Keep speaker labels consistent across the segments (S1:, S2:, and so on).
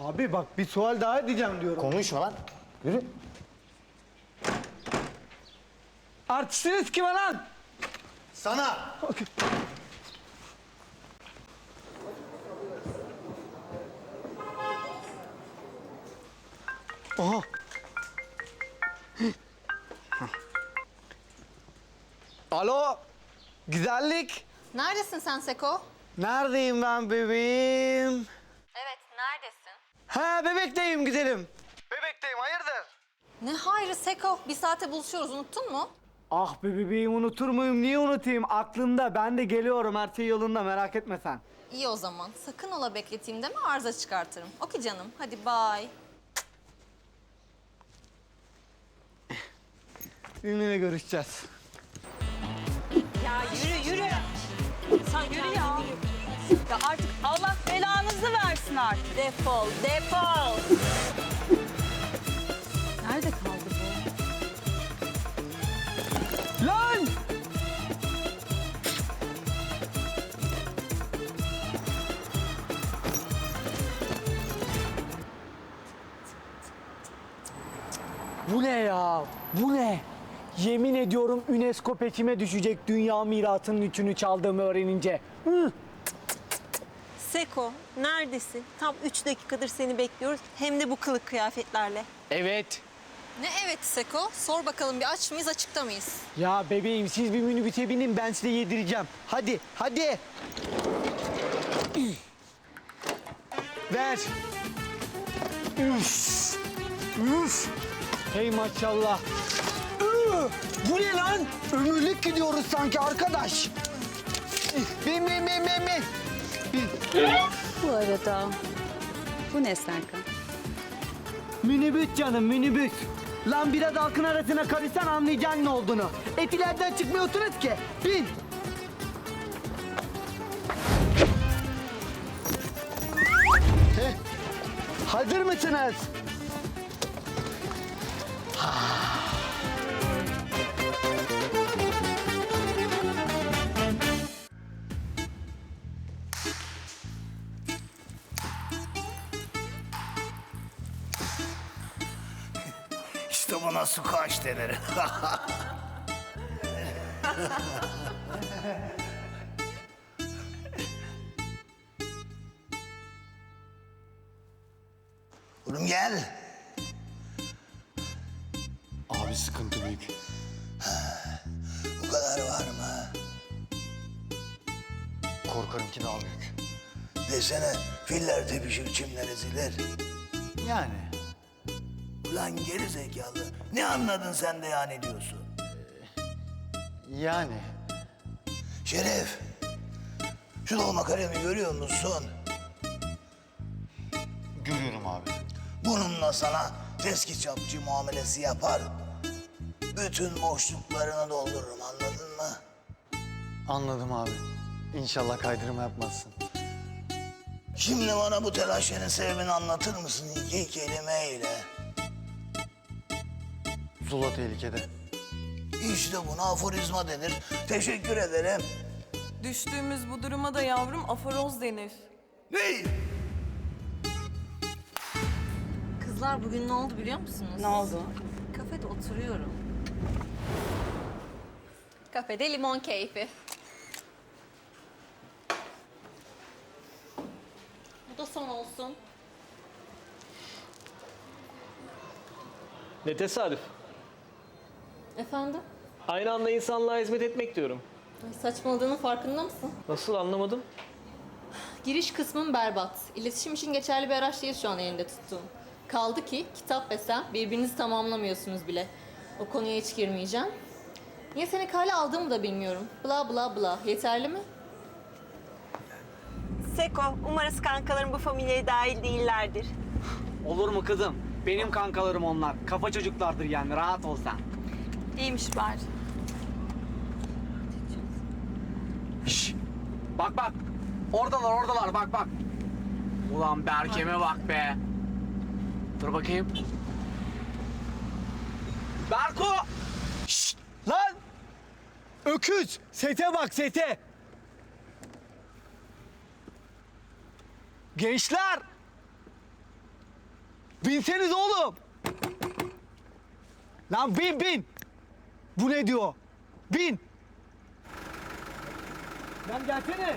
S1: Abi bak bir sual daha edeceğim diyorum.
S2: Konuşma lan. Yürü.
S1: Artistiniz kime lan?
S2: Sana.
S1: Aha. Alo. Güzellik.
S3: Neredesin sen Seko?
S1: Neredeyim ben bebeğim?
S3: Evet, neredesin?
S1: Ha bebekteyim güzelim. Bebekteyim hayırdır?
S3: Ne hayrı Seko? Bir saate buluşuyoruz, unuttun mu?
S1: Ah be bebeğim unutur muyum? Niye unutayım? Aklımda. Ben de geliyorum. Her şey yolunda. Merak etme sen.
S3: İyi o zaman. Sakın ola bekleteyim deme, arıza çıkartırım. Okey canım, hadi bye.
S1: Seninle görüşeceğiz.
S4: Ya yürü. Sen yürü ya. Ya artık Allah belanızı versin artık.
S3: Defol, defol!
S4: Nerede kaldı bu?
S1: Lan! Bu ne ya? Bu ne? Yemin ediyorum UNESCO peçime düşecek dünya mirasının üçünü çaldığımı öğrenince. Hı?
S5: Seko, neredesin? Tam 3 dakikadır seni bekliyoruz. Hem de bu kılık kıyafetlerle.
S1: Evet.
S3: Ne evet Seko? Sor bakalım, bir aç mıyız, açıkta mıyız?
S1: Ya bebeğim siz bir minibüse binin ben size yedireceğim. Hadi, hadi. Ver. Üf. Üf. Hey maşallah. Bu ne lan? Ömürlük gidiyoruz sanki arkadaş. Bin.
S4: Bu arada bu ne Serkan?
S1: Minibüs canım minibüs. Lan biraz halkın arasına karışsan anlayacaksın ne olduğunu. Etilerden çıkmıyorsunuz ki. Bin. Heh. Hazır mısınız?
S2: İşte buna squash denir. Oğlum gel.
S6: Abi sıkıntı büyük.
S2: Bu kadar var mı?
S6: Korkarım ki daha büyük.
S2: Desene filler tepişir çimler ezilir.
S6: Yani
S2: Ulan geri zekalı. Ne anladın sen de yani diyorsun?
S6: yani
S2: Şeref. Şu dolma kalemi görüyor musun?
S6: görüyorum abi.
S2: Bununla sana teskitçapçı muamelesi yapar. Bütün boşluklarını doldururum anladın mı?
S6: Anladım abi. İnşallah kaydırma yapmazsın.
S2: Şimdi bana bu telaşenin sebebini anlatır mısın iki kelimeyle?
S6: Zula tehlikede.
S2: İşte buna aforizma denir. Teşekkür ederim.
S7: Düştüğümüz bu duruma da yavrum aforoz denir.
S2: Ne?
S3: Kızlar bugün ne oldu biliyor musunuz?
S4: Ne oldu?
S3: Kafede oturuyorum. Kafede limon keyfi. Bu da son olsun.
S8: Ne tesadüf.
S3: Efendim?
S8: Aynı anda insanlığa hizmet etmek diyorum.
S3: Ay, saçmaladığının farkında mısın?
S8: Nasıl anlamadım?
S3: Giriş kısmım berbat. İletişim için geçerli bir araç değil şu an elinde tuttuğum. Kaldı ki kitap ve sen birbirinizi tamamlamıyorsunuz bile. O konuya hiç girmeyeceğim. Niye seni kale aldığımı da bilmiyorum. Bla bla bla. Yeterli mi?
S5: Seko, umarız kankaların bu familyaya dahil değillerdir.
S1: Olur mu kızım? Benim kankalarım onlar. Kafa çocuklardır yani rahat ol sen.
S4: İyiymiş bari.
S1: Şş, bak. Oradalar bak. Ulan Berkem'e bak be. Dur bakayım. Berko! Şşt, lan! Öküz! Sete bak sete! Gençler! Binseniz oğlum. Lan bin. Bu ne diyor? Bin. Lan gelsene.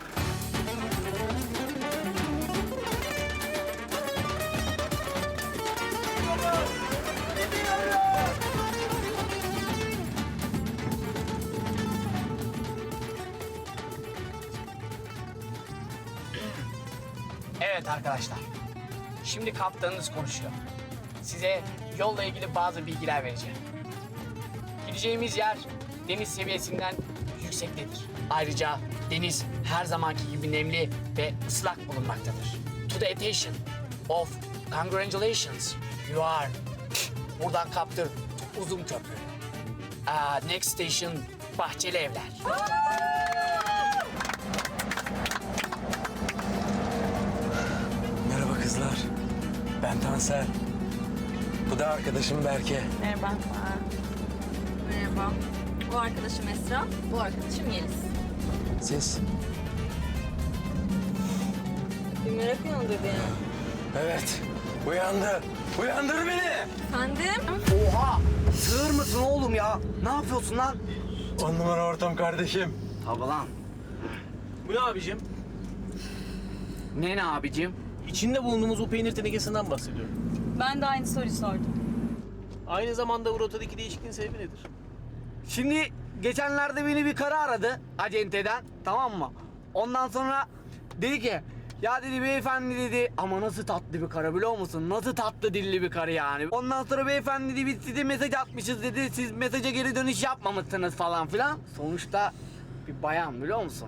S9: Evet arkadaşlar. Şimdi kaptanınız konuşuyor. Size yolla ilgili bazı bilgiler vereceğim. Gideceğimiz yer deniz seviyesinden yüksektedir. Ayrıca deniz her zamanki gibi nemli ve ıslak bulunmaktadır. To the attention of congratulations, you are buradan kaptır uzun köprü. Next station Bahçeli Evler.
S10: Merhaba kızlar. Ben Tansel. Bu da arkadaşım Berke.
S4: Merhaba.
S3: Merhaba. Bu arkadaşım Esra, bu arkadaşım Yeliz.
S10: Siz?
S3: Bir merak uyandırdı yani.
S10: Evet. Uyandı. Uyandır beni.
S3: Efendim?
S1: Oha! Sığır mısın oğlum ya? Ne yapıyorsun lan?
S10: 10 numara ortam kardeşim.
S1: Tabii lan.
S8: Bu ne abicim?
S1: Ne abicim?
S8: İçinde bulunduğumuz bu peynir tenekesinden bahsediyorum.
S4: Ben de aynı soruyu sordum.
S8: Aynı zamanda bu rotadaki değişikliğin sebebi nedir?
S1: Şimdi geçenlerde beni bir karı aradı acenteden, tamam mı? Ondan sonra dedi ki ya dedi beyefendi dedi ama nasıl tatlı bir karı biliyor musun? Nasıl tatlı dilli bir karı yani. Ondan sonra beyefendi dedi biz size mesaj atmışız dedi. Siz mesaja geri dönüş yapmamışsınız falan filan. Sonuçta bir bayan biliyor musun?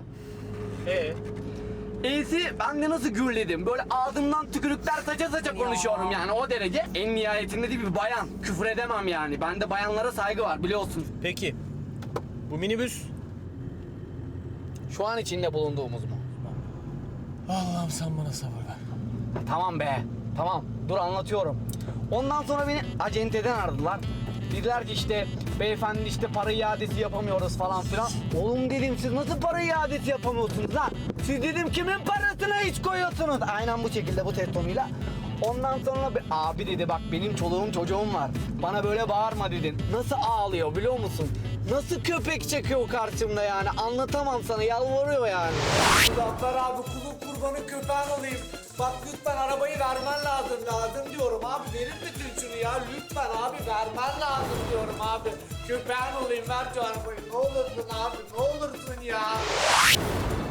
S1: E'si ben de nasıl gürledim. Böyle ağzımdan tükürükler saça konuşuyorum yani o derece. En nihayetinde de bir bayan. Küfür edemem yani. Bende bayanlara saygı var biliyorsun.
S8: Peki. Bu minibüs
S1: Şu an içinde bulunduğumuz mu?
S8: Allah'ım sen bana sabır ver.
S1: Tamam be. Tamam. Dur anlatıyorum. Ondan sonra beni acenteden aradılar. Dediler ki işte beyefendi işte para iadesi yapamıyoruz falan filan. Oğlum dedim siz nasıl para iadesi yapamıyorsunuz lan? Siz dedim kimin parasına hiç koyuyorsunuz? Aynen bu şekilde bu ses tonuyla. Ondan sonra abi dedi bak benim çoluğum çocuğum var. Bana böyle bağırma dedin. Nasıl ağlıyor biliyor musun? Nasıl köpek çekiyor karşımda yani anlatamam sana yalvarıyor yani. Zafer abi kulun kurbanın köpeğin olayım. Bak lütfen arabayı vermen lazım diyorum abi verir misin şunu ya lütfen abi vermen lazım diyorum abi. Köpeğin olayım ver şu arabayı ne olursun abi ne olursun ya.